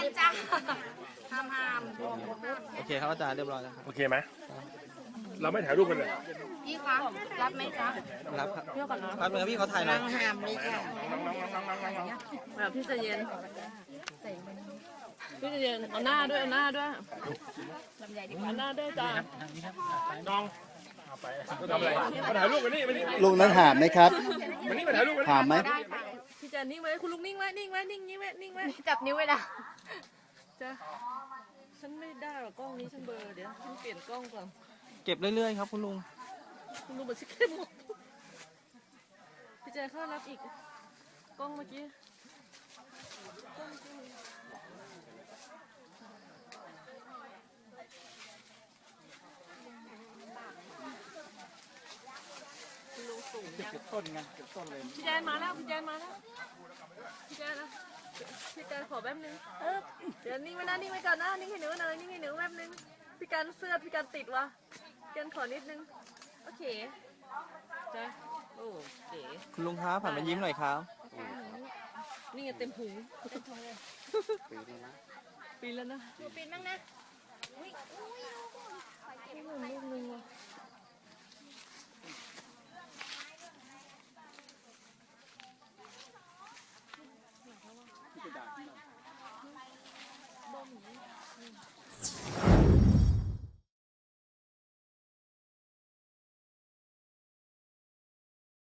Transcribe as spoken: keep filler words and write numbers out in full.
จ้าห้ามห้ามโอเคครับอาจารย์เรียบร้อยแล้วครับโอเคไหมเราไม่ถ่ายรูปกันเลยพี่คะรับไหมจ๊ะรับครับเที่ยวก่อนนะครับเดี๋ยวพี่เขาถ่ายหน่อยห้ามเลยค่ะแบบพี่ใจเย็นพี่ใจเย็นเอาหน้าด้วยเอาหน้าด้วยเอาหน้าด้วยจ้าน้องเอาไปทำอะไรมาถ่ายรูปกันนี่มานี่ลูกนั้นหามไหมครับมานี่มาถ่ายรูปกันหามไหมพี่จะนิ่งไว้คุณลุงนิ่งไว้นิ่งไว้นิ่งนิ่งไว้นิ่งไว้จับนิ้วไว้นะจ้าฉันไม่ได้หรอกกล้องนี้ฉันเบลอเดี๋ยวฉันเปลี่ยนกล้องก่อนเก็บเรื่อยๆครับคุณลุงคุณลุงบอกชิคเข้มหมดพี่แจเข้ารับอีกกล้องเมื่อกี้คุณลุงสูงยังเก็บต้นไงเก็บต้นเลยพี่แจนมาแล้วพี่แจนมาแล้วพี่แจนนะพี่แจนขอแป๊บนึงเออเดี๋ยวนิ่งไว้นะนิ่งไว้ก่อนนะนิ่งให้หนูหน่อยนิ่งให้หนูแป๊บนึงพี่การเสื้อพี่การติดวะพี่การขอนิดนึงโอเคจ้ะโอ้เก๋คุณลุงครับผ่านมายิ้มหน่อยครับนี่ไงเต็มหูปีแล้วนะปีนบ้างนะลูกนึงว่ะ